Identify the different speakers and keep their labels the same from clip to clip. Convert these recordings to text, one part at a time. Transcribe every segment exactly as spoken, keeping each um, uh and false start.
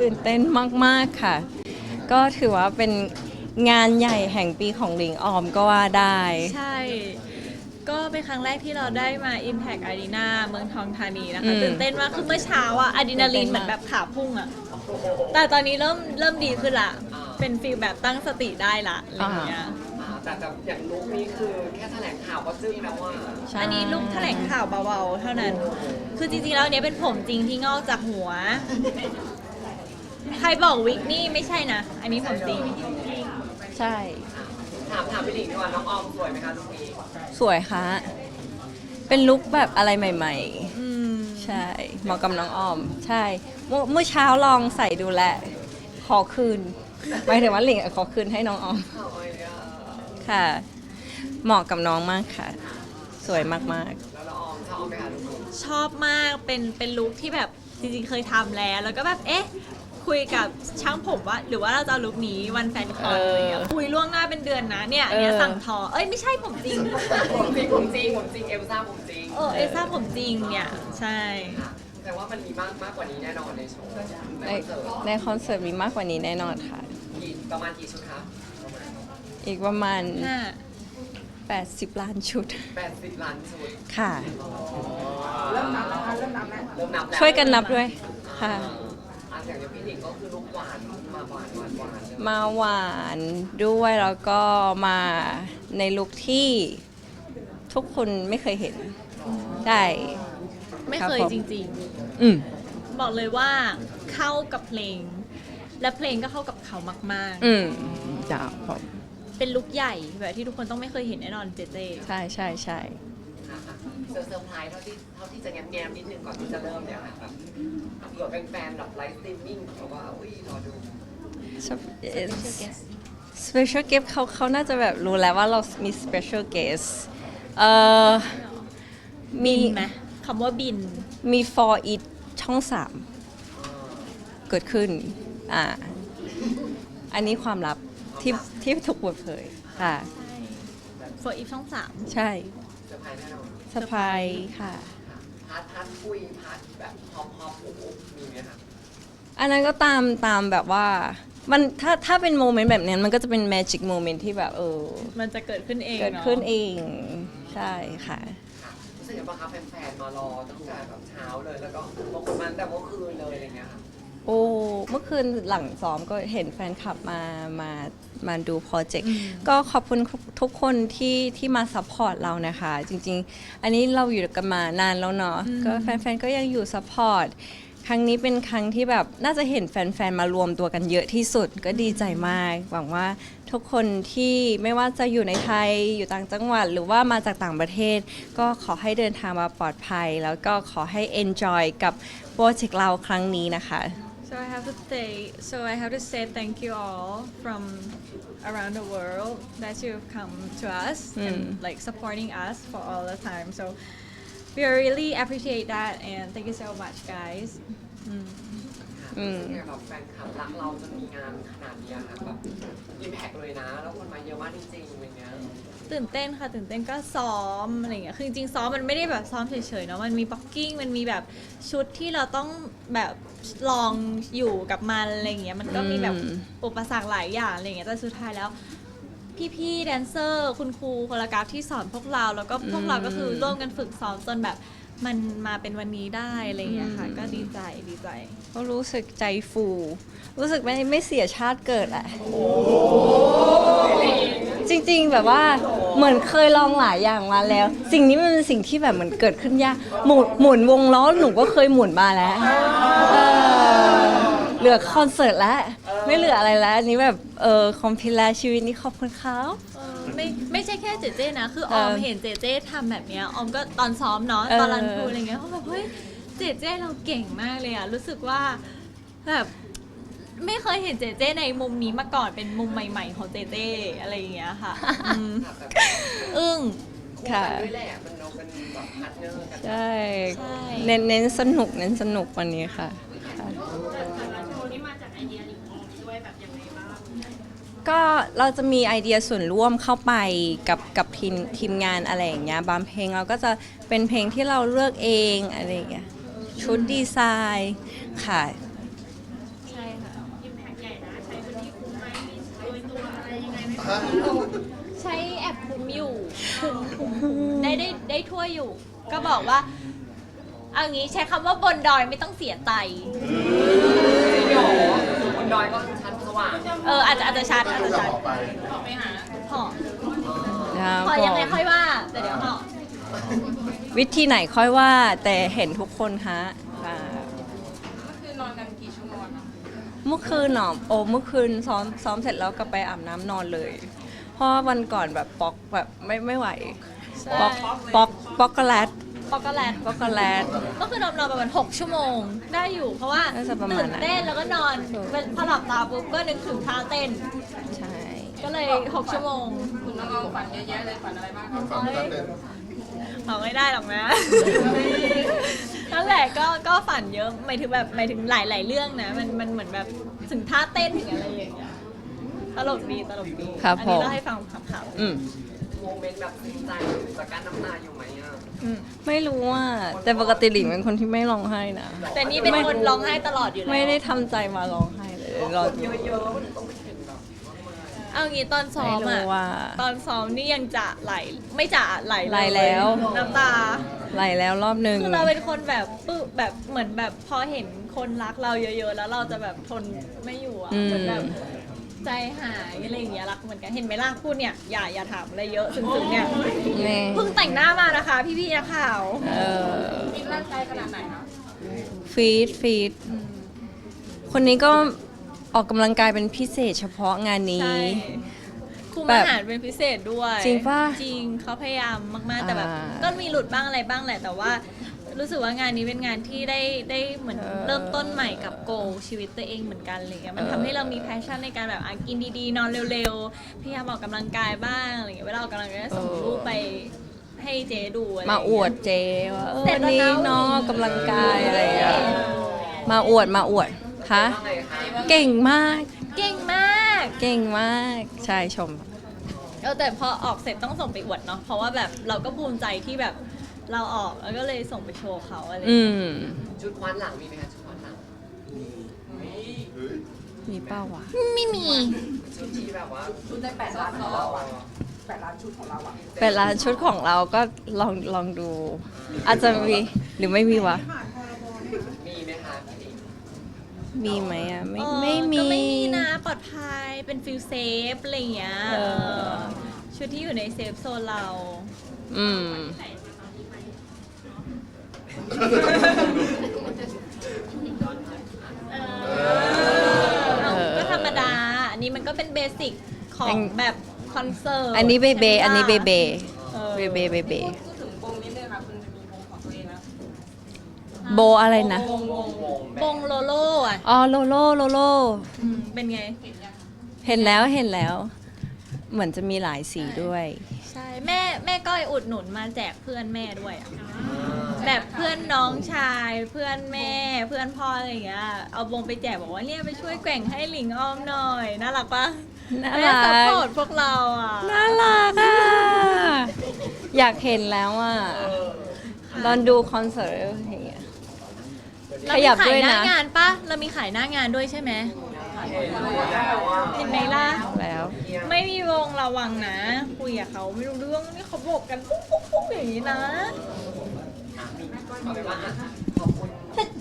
Speaker 1: ตื่นเต้นมากๆค่ะก็ถือว่าเป็นงานใหญ่แห่งปีของหลิงออมก็ว่าได้
Speaker 2: ใช่ก็เป็นครั้งแรกที่เราได้มา Impact Arena เมืองทองธานีนะ
Speaker 1: อื
Speaker 2: คะ
Speaker 1: ม
Speaker 2: ตื่นเต้นมากคือเมื่อเช้าอะอะดรีนาลีนเหมือนแบบขาพุ่งอะแต่ตอนนี้เริ่มเริ่มดีขึ้นละเป็นฟีลแบบตั้งสติได้ละอะไรอย่างเงี้ย
Speaker 3: อ่าแต่แต่อย่างลุคนี้คือแค่แถลงข่าวก็จึ้งแล้วว่า
Speaker 1: ใช่
Speaker 2: อันนี้ลูกแถลงข่าวเบาๆเท่านั้น คือจริงๆแล้วอันเนี้ยเป็นผมจริงที่งอกจากหัว ใครบอกวิกนี่ไม่ใช่นะ อันนี้ผมจริง
Speaker 1: ใช่
Speaker 3: ถามถามพี่หลิงดีกว่าน้องออมสวยไหมคะลุคนี้
Speaker 1: สวยค่ะเป็นลุคแบบอะไรใหม่
Speaker 2: อืม
Speaker 1: ๆ ใช่เหมาะกับน้องออม ใช่เมื่อเมื่อเช้าลองใส่ดูแลวขอคืนหมายถึงว่าหลิงอะขอคืนให้น้องออม
Speaker 3: โอ้ยอ่ะ
Speaker 1: ค่ะ เหมาะกับน้องมากค่ะ สวยมาก
Speaker 3: แล้วน้องออมชอบไหมคะลุคนี้
Speaker 2: ชอบมาก เป็นเป็นลุคที่แบบจริงๆเคยทำแล้ว แล้วก็แบบเอ๊ะ คุยกับช่างผมว่า หรือว่าเราจะเอาลุคนี้วันแฟนคอนอะไรเงี้ยคุยล่วงหน้าเป็นเดือนนะ เนี่ยอันเนี้ยสั่งทอ เอ้ยไม่ใช่ผมจริง
Speaker 3: ผมจริงผมจริงผมจริงเอลซ่าผมจริง
Speaker 2: เออเอซ่าผมจริงเนี่ย ใช่
Speaker 3: ค่ะแต่ว่ามันมีมากมากกว่านี้แน่นอนในโชว์ใน
Speaker 1: ๆ ใน
Speaker 3: คอนเสิร์ต
Speaker 1: ในคอนเสิร์ตมีมากกว่านี้แน่นอนค่ะ
Speaker 3: กี่ประมาณกี่ชุดคะประมาณ
Speaker 1: อีกประมาณ
Speaker 2: ห้า
Speaker 1: แปดสิบ ล้านชุด
Speaker 3: แปดสิบล้านชุด
Speaker 1: ค่ะ
Speaker 3: เริ่มนับแล้วคะเริ่มนับแล้วเริ่มนับแล้ว
Speaker 1: ช่วยกันนับด้วยค่ะ
Speaker 3: อ่าอย่างเดียวพี่หลิงก็คือลูกหวานมาหวานหวานหวานเลย
Speaker 1: มาหวานด้วยแล้วก็มาในลุคที่ทุกคนไม่เคยเห็นได้
Speaker 2: ไม่
Speaker 1: ครับ
Speaker 2: เคย
Speaker 1: ผม
Speaker 2: จริง
Speaker 1: อืม
Speaker 2: ๆ บอกเลยว่าเข้ากับเพลง และเพลงก็เข้ากับเขามาก
Speaker 1: อืมจ้าผม
Speaker 2: ๆ เป็นลุคใหญ่แบบที่ทุกคนต้องไม่เคยเห็นแน่นอนเจเจ
Speaker 1: ใช่ใช่ใช่
Speaker 3: ค่ะเซอร์เซอร์ไพรส์เท่าที่เท่าที่จะแง้มแง้มๆนิดนึงก่อนที่จะเริ่มเนี่ยค่ะแบบเผื่อแฟนๆแบบไลฟ์สตรีมมิ่งเขาว่าอุ้ยรอดู
Speaker 1: special guest เขาเขาน่าจะแบบรู้แล้วว่าเรามี special guest เอ่อมี
Speaker 2: บินไหมคำว่าบิน
Speaker 1: มี for it ช่องสามเกิดขึ้น อ่า อันนี้ความลับที่ที่ถูกเปิดเผยค่ะ
Speaker 2: ใช่โฟอีฟช่องสาม
Speaker 1: ใช่
Speaker 3: เซอร์ไพรส์แน่นอน
Speaker 1: สปายค่ะ
Speaker 3: พาร์ทพาร์ทคุยพาร์ทแบบพอพอปูมีไหมคะ
Speaker 1: อันนั้นก็ตามตามแบบว่า มันถ้าถ้าเป็นโมเมนต์แบบนั้นมันก็จะเป็น magic moment ที่แบบเออ
Speaker 2: มันจะเกิดขึ้นเอง
Speaker 1: เกิด
Speaker 2: เนาะ
Speaker 1: ขึ้นเอง ใช่ค่ะ
Speaker 3: ค่ะรู้สึกยังไงบ้างคะแฟนๆมารอตั้งแต่แบบเช้าเลยแล้วก็บางคนมาตั้งแต่เมื่อคืนเลยอะไรเงี้ยค่ะ
Speaker 1: โอ้เมื่อคืนหลังซ้อมก็เห็นแฟนคลับมามามาดูโปรเจกต์ก็ขอบคุณทุกคนที่ที่มาซัพพอร์ตเรานะคะ จริงๆ อันนี้เราอยู่กันมานานแล้วเนาะก็แฟนๆ ก็ยังอยู่ซัพพอร์ตครั้งนี้เป็นครั้งที่แบบน่าจะเห็นแฟนๆ มารวมตัวกันเยอะที่สุดก็ดีใจมาก หวังว่าทุกคนที่ไม่ว่าจะอยู่ในไทยอยู่ต่างจังหวัด หรือว่ามาจากต่างประเทศ ก็ขอให้เดินทางมาปลอดภัย แล้วก็ขอให้ enjoy กับโปรเจกต์เราครั้งนี้นะคะ
Speaker 2: So I have to say so I have to say thank you all from around the world that you've come to us and like supporting us for all the time so we really appreciate that and thank you so much guys อืม
Speaker 3: ค่ะรู้สึกยังไงแบบแฟนคลับรักเราจนมีงานขนาดเนี้ยค่ะแบบอิมแพกเลยนะ แล้วคนมาเยอะมากจริงๆอะไรเงี้ย
Speaker 2: ตื่นเต้นค่ะตื่นเต้นก็ซ้อมอะไรอย่างเงี้ยคือจริงๆซ้อมมันไม่ได้แบบซ้อมเฉยๆเนาะมันมีบ็อกกิ้งมันมีแบบชุดที่เราต้องแบบลองอยู่กับมันอะไรอย่างเงี้ยมันก็มีแบบ
Speaker 1: อืม
Speaker 2: อุปสรรคหลายอย่างอะไรอย่างเงี้ยแต่สุดท้ายแล้ว พี่ๆแดนเซอร์คุณครูโคโรกราฟที่สอนพวกเราแล้วก็พวกเราก็คือร่วมกันฝึกซ้อมจนแบบมันมาเป็นวันนี้ได้อะไรอย่างเงี้ยค่ะก็ดีใจดีใจ
Speaker 1: ก็รู้สึกใจฟู รู้สึกไม่ไม่เสียชาติเกิดแหละจริงๆแบบว่าเหมือนเคยลองหลายอย่างมาแล้ว สิ่งนี้มันเป็นสิ่งที่แบบเหมือนเกิดขึ้นยากหมุนหมุนวงล้อหนูก็เคยหมุนมาแล้วเออเหลือคอนเสิร์ตแล้ว ไม่เหลืออะไรแล้วอันนี้แบบเออคอมพิลาชีวิตนี้ขอบคุณเขา
Speaker 2: เออไม่ไม่ใช่แค่เจเจนะ คืออ
Speaker 1: เอ
Speaker 2: อ
Speaker 1: อ
Speaker 2: มเห็นเจเจทำแบบเนี้ยออมก็ตอนซ้อมเนาะ
Speaker 1: เออ
Speaker 2: ตอนรันทรูอะไรเงี้ยเขาแบบเฮ้ยเจเจเราเก่งมากเลยอะรู้สึกว่าแบบไม่เคยเห็นเจเจในมุมนี้มาก่อนเป็นมุมใหม่ๆของเจเจอะไรอย่างเงี้ยค่ะอืม
Speaker 3: ค่ะแต่
Speaker 2: อึ้ง
Speaker 3: คู่กันด้วยแหละมันเราเป็นแบบพาร์ทเนอร์กัน
Speaker 1: ใช่
Speaker 2: ใช่
Speaker 1: เน้นเน้นสนุกเน้นสนุกวันนี้ค่ะค่ะ ก็เราจะมีไอเดียส่วนร่วมเข้าไปกับกับทีมทีมงานอะไรอย่างเงี้ยบางเพลงเราก็จะเป็นเพลงที่เราเลือกเองอะไรอย่างเงี้ยชุดดีไซน์ค่ะ
Speaker 2: ใช่คใช้แอปคุมอยู่คุมคุมคุมได้ได้ได้ทั่วอยู่ ก็บอกว่าเอางี้ใช้คำว่าบนดอยไม่ต้องเสียใจ
Speaker 3: จริงเหรอบนดอยก็ชั้นสว่าง
Speaker 2: เอออาจจะอาจจะชัดอาจจะชัด
Speaker 4: ต่อไป
Speaker 2: ห่อ
Speaker 1: ครับ
Speaker 2: ห่อยังไง
Speaker 1: ผม
Speaker 2: ค่อยว่าแต่เดี๋ยวห่อ
Speaker 1: วิธีไหนค่อยว่าแต่เห็นทุกคนฮะค่ะ
Speaker 4: คือนอนกันกี่ชั่วโมงอะ
Speaker 1: เมื่อคืนหนอโอ้เมื่อคืนซ้อมซ้อมเสร็จแล้วก็ไปอาบน้ำนอนเลย เพราะว่าวันก่อนแบบป๊อกแบบไม่ไม่ไหว
Speaker 2: ใช่
Speaker 1: ป๊อกป๊อกป๊อกโกแลต
Speaker 2: ช็อกโกแลต
Speaker 1: ป๊อกโกแลต
Speaker 2: ก็คือนอนนอนประมาณหกชั่วโมงได้อยู่ เพราะว่า
Speaker 1: น่าจะประมาณ
Speaker 2: ตื่น
Speaker 1: นั้น
Speaker 2: เต้นแล้วก็นอนพอหลับตาปุ๊บก็นึกถึงท่าเต้น
Speaker 1: ใช่
Speaker 2: ก็เลยหกชั่วโมง
Speaker 4: คุณน้องเอาฝันเยอะแยะเลยฝันอะไรบ้างครับ
Speaker 5: ฝันตั้งแต่
Speaker 2: เอาไม่ได้หรอกนะ นั่นแหละก็ก็ฝันเยอะหมายถึงแบบหมายถึงหลาย ๆ เรื่องนะมันมันเหมือนแบบถึงท่าเต้นถึงอะไรอย่างเงี้ยตลกดีตลกดี
Speaker 1: ครับ
Speaker 2: อั
Speaker 1: ผ
Speaker 2: นี้
Speaker 1: ม
Speaker 2: เล่าให้ฟังขำ
Speaker 1: อืม
Speaker 3: โมเมนต์แบบซึ้งใจจากการน้ำตาอยู่ไหมอ่ะ
Speaker 2: ๆอืม
Speaker 1: ไม่รู้ว่าแต่ปกติหลิงเป็นคนที่ไม่ร้องไห้นะ
Speaker 2: แต่นี่เป็นคนร้องไห้ตลอดอยู่แล้ว
Speaker 1: ไม่ได้ทำใจมาร้องไห้เลยรอดู
Speaker 3: เยอะๆมันต้องไปถึงแบบ
Speaker 2: เอางี้ตอนซ้อ
Speaker 1: ไม่
Speaker 2: ม
Speaker 1: รู้
Speaker 2: อะ
Speaker 1: ว่า
Speaker 2: ตอนซ้อมนี่ยังจะไหลไม่จะไหลเย
Speaker 1: ไหลแล้ว
Speaker 2: น้ำตา
Speaker 1: ไหลแล้วรอบหนึ่ง
Speaker 2: คือเราเป็นคนแบบปึ๊บแบบเหมือนแบบพอเห็นคนรักเราเยอะๆ แล้วเราจะแบบทนไม่อยู่อะ
Speaker 1: อืม
Speaker 2: เหมือนแบบใจหายอะไรอย่างเงี้ยรักเหมือนกันเห็นไหมล่ะพูดเนี่ยอย่าอย่าถามอะไรเยอะซึ้งๆเนี่ย
Speaker 1: นี่
Speaker 2: เพิ่งแต่งหน้ามานะคะ พี่ๆนักข่าว
Speaker 1: เออ
Speaker 4: กินร่างกายขนาดไหนคะ
Speaker 1: ฟีดฟีดคนนี้ก็ออกกำลังกายเป็นพิเศษเฉพาะงานนี้
Speaker 2: ใช่คุม
Speaker 1: แบบ
Speaker 2: อาหารเป็นพิเศษด้วย
Speaker 1: จริงปะ
Speaker 2: จริงเขาพยายามมากๆแต่แบบ
Speaker 1: อ่า
Speaker 2: ก็มีหลุดบ้างอะไรบ้างแหละ แต่ว่ารู้สึกว่างานนี้เป็นงานที่ได้ได้เหมือน
Speaker 1: เออ
Speaker 2: เริ่มต้นใหม่กับโกชีวิตตัวเองเหมือนกันอะไรเงี้ยมัน
Speaker 1: เออ
Speaker 2: ทำให้เรามีแพชชั่นในการแบบอ่ะกินดีๆ นอนเร็วๆพยายามออกกำลังกายบ้างอะไรเงี้ยเวลาออกกำลังกายก็ส่งรูปไปให้เจ๊ดูอะไร
Speaker 1: มา
Speaker 2: เงี้ย
Speaker 1: อวดเจว่าเออ
Speaker 2: เสร็จแล้ว
Speaker 1: นี่
Speaker 2: นะ
Speaker 1: น้องออกกำลังกายอะไรอย่างเงี้ยมาอวดมาอวดคะ
Speaker 3: ว่าไงคะ
Speaker 1: เก่งมาก
Speaker 2: เก่งมาก
Speaker 1: เก่งมากใช่ชม
Speaker 2: เออแต่พอออกเสร็จต้องส่งไปอวดเนาะเพราะว่าแบบเราก็ภูมิใจที่แบบเราออกแล้วก็เลยส่งไปโชว์เขาอะไร
Speaker 1: อื
Speaker 2: เงี้ย
Speaker 1: ม
Speaker 3: ชุดคว้านหลังมีไหมคะชุดคว้านหลัง
Speaker 1: มีเป้าวะ
Speaker 2: ไม่มี
Speaker 3: ชุดที่แบบว่า
Speaker 4: ชุดในแปดล้านของเราอะแปดล้านชุดของเราอะ
Speaker 1: เป็นร้านชุดของเราก็ลองลองดู อาจจะมีหรือไม่มีวะ
Speaker 3: มีไหมคะพี่ลิง
Speaker 1: มีไหมอ่ะไม่
Speaker 2: เออ
Speaker 1: ไม่มี
Speaker 2: ก็ไม่มีนะปลอดภัยเป็นฟิลเซฟอะไรอย่างเงี้ย
Speaker 1: เออ
Speaker 2: เออชุดที่อยู่ในเซฟโซนเรา
Speaker 1: อืม
Speaker 2: เอาก็ธรรมดา อันนี้มันก็เป็นเบสิกของ
Speaker 1: เป็น
Speaker 2: แบบคอนเสิร์ต
Speaker 1: อันนี้เบเบ
Speaker 2: ใช่ไหมล่ะ
Speaker 1: อันนี้เบเบ
Speaker 2: เออ
Speaker 1: เบเบเบเบ
Speaker 4: พูดถึงวงนิดนึงค่ะคุณจะมีวงของตัวเองแล้ว
Speaker 1: โบอะไรนะ
Speaker 3: วงวงวงแบ
Speaker 2: วงโลโล่อะ
Speaker 1: อ๋อโลโลโลโล
Speaker 2: อืมเป็นไง
Speaker 1: เห็นแล้วเห็นแล้ว เหมือนจะมีหลายสีด้วย
Speaker 2: ใช่ แม่แม่ก้อยอุดหนุนมาแจกเพื่อนแม่ด้วยอะแบบเพื่อนน้องชาย เพื่อนแม่ เพื่อนพ่ออะไรอย่างเงี้ย เอาวงไปแจกบอกว่าเนี่ยไปช่วยแกว่งให้หลิงอ้อมหน่อย น่ารักปะ
Speaker 1: น่า
Speaker 2: แม่
Speaker 1: รั
Speaker 2: ซัพ
Speaker 1: ก
Speaker 2: พอร์ตพวกเราอ่ะ
Speaker 1: น่ารักอ่ะ อยากเห็นแล้วอ่ะตอนดูคอนเสิร์ตอย่างเงี้ย
Speaker 2: เรา
Speaker 1: ข
Speaker 2: มี
Speaker 1: ยับ
Speaker 2: ขา
Speaker 1: ด้วย ย
Speaker 2: หน้า
Speaker 1: นะ
Speaker 2: งานปะเรามีขายหน้างานด้วยใช่ไหม
Speaker 3: เห็นแล้วว่า
Speaker 2: เห็นไหมล่ะ
Speaker 1: แล้ว
Speaker 2: ไม่มีวงระวังนะ คุยกับเขาไม่รู้เรื่องนี่เขาบอกกันปุ๊บปุ๊บปุ๊บอย่างนี้นะ
Speaker 3: เอาเป็นว่าอ่ะขอบคุณ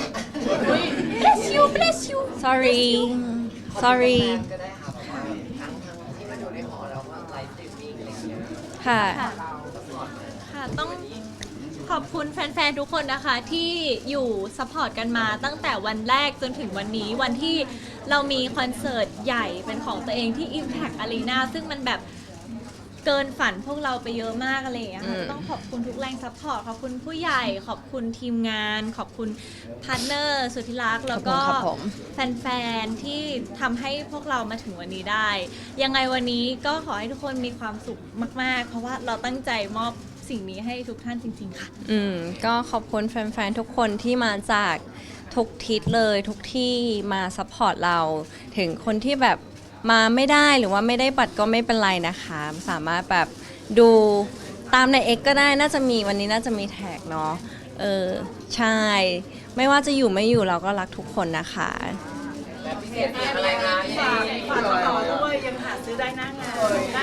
Speaker 2: bless you bless you
Speaker 1: sorry sorry
Speaker 3: ขอบคุณแฟนๆก็ได้ค่ะแบบว่าทั้งทั้งที่มาดูในหอแล้วก็ไลฟ์สตรีมมิ่งอะไรอย่างเงี้ย
Speaker 1: ค่ะ
Speaker 2: ค่ะ ค่ะต้องขอบคุณแฟนๆ ทุกคนนะคะที่อยู่ซัพพอร์ตกันมาตั้งแต่วันแรกจนถึงวันนี้วันที่เรามีคอนเสิร์ตใหญ่เป็นของตัวเองที่ Impact Arena ซึ่งมันแบบเกินฝันพวกเราไปเยอะมากอะไรอย่างเงี้ยค่ะ
Speaker 1: อืม
Speaker 2: ต้องขอบคุณทุกแรงซัพพอร์ตขอบคุณผู้ใหญ่ขอบคุณทีมงาน ขอบคุณพาร์ทเนอร์สุดที่รักแล้วก็
Speaker 1: ขอบคุณครับผม
Speaker 2: แฟนๆ ที่ทำให้พวกเรามาถึงวันนี้ได้ ยังไงวันนี้ก็ขอให้ทุกคนมีความสุขมาก ๆ เพราะว่าเราตั้งใจมอบสิ่งนี้ให้ทุกท่านจริง ๆ ค่ะ
Speaker 1: อืมก็ขอบคุณแฟนๆ ทุกคนที่มาจากทุกทิศเลยทุกที่มาซัพพอร์ตเรา ถึงคนที่แบบมาไม่ได้หรือว่าไม่ได้บัตรก็ไม่เป็นไรนะคะ สามารถแบบดูตามใน X ก็ได้น่าจะมีวันนี้น่าจะมีแท็กเนาะเออใช่ ไม่ว่าจะอยู่ไม่อยู่เราก็รักทุกคนนะคะ
Speaker 3: แบบพิเศษอะไรคะ
Speaker 4: ฝากฝากต่อด้วยยังหาซื้อได้หน้างานได้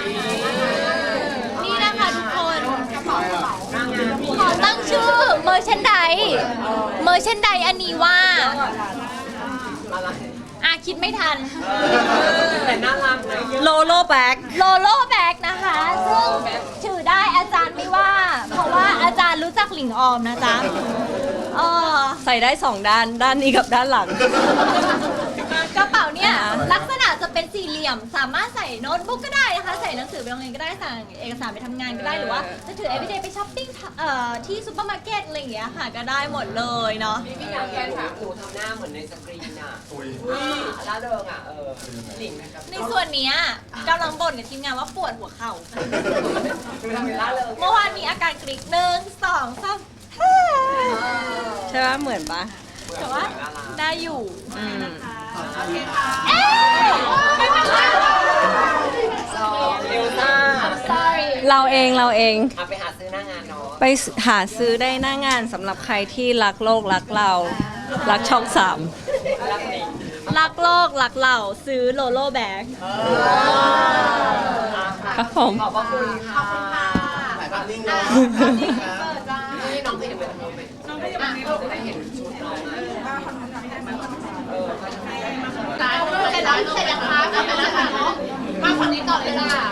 Speaker 5: นี่นะคะทุกคนขอตั้งชื่อเมอร์ชันไดเมอร์ชันไดอันนี้ว่า
Speaker 3: อะไร
Speaker 5: อ่ะคิดไม่ทัน
Speaker 3: แต่น่ารักนะ
Speaker 1: โลโลแบ็ก
Speaker 5: โลโลแบ็กนะคะ ซึ่งถือได้อาจารย์ไม่ว่า เพราะว่าอาจารย์รู้จักหลิงออมนะจ๊ะเออ
Speaker 1: ใส่ได้สองด้านด้านนี้กับด้านหลัง
Speaker 5: กระเป๋าเนี่ยลักษณะจะเป็นสี่เหลี่ยม สามารถใส่โน้ตบุ๊กก็ได้นะคะ ใส่หนังสือไปโรงเรียนก็ได้สั่งเอกสารไปทำงานก็ได้หรือว่าจะถือ everyday ไปช้อปปิ้งเอ่อที่ซูเปอร์มาร์เก็ตอะไรอย่างเงี้ยค่ะก็ได้หมดเลยเนาะ
Speaker 3: พี่อยากแกนถามหนูทำหน้าเหมือนในสกรีนอ่ะอุ้ยล่าเริงอ่ะเออหลิงนะครับ
Speaker 5: ในส่วนเนี้ยกำลังบ่นกับทีมงานว่าปวดหัวเข่า
Speaker 3: ดูทำเป็นล่าเริง
Speaker 5: เมื่อวานมีอาการกรี๊ดหนึ่งสองสาม
Speaker 1: ใช่ปะเหมือนปะ
Speaker 5: แต่ว่าได้อยู่
Speaker 1: อืม
Speaker 5: เอ๊ะไม่เป็นไร
Speaker 3: ชอบเร็วซ่า
Speaker 5: sorry
Speaker 1: เราเองเราเอง
Speaker 3: เอาไปหาซื้อหน้างานเนาะ
Speaker 1: ไปหาซื้อได้หน้างานสำหรับใครที่รักโลกรักเรา รักช่องสาม
Speaker 3: รักหลิง
Speaker 5: รักโลกรักเราซื้อโลโลแบ็ก
Speaker 1: ครับผม
Speaker 3: ขอบพระคุณค่ะถ่ายภาพนิ่งเนาะนี่น้องก็เห็นเป็นน้องเป็นน้องก็ยังไม่รู้จะได้เห็นชุดน้องเออ
Speaker 5: เสร็จแล้วเสร็จแล้วคะกลับไปแล้วค่ะเนาะมาฝั่งนี้ต่อเลยค่ะ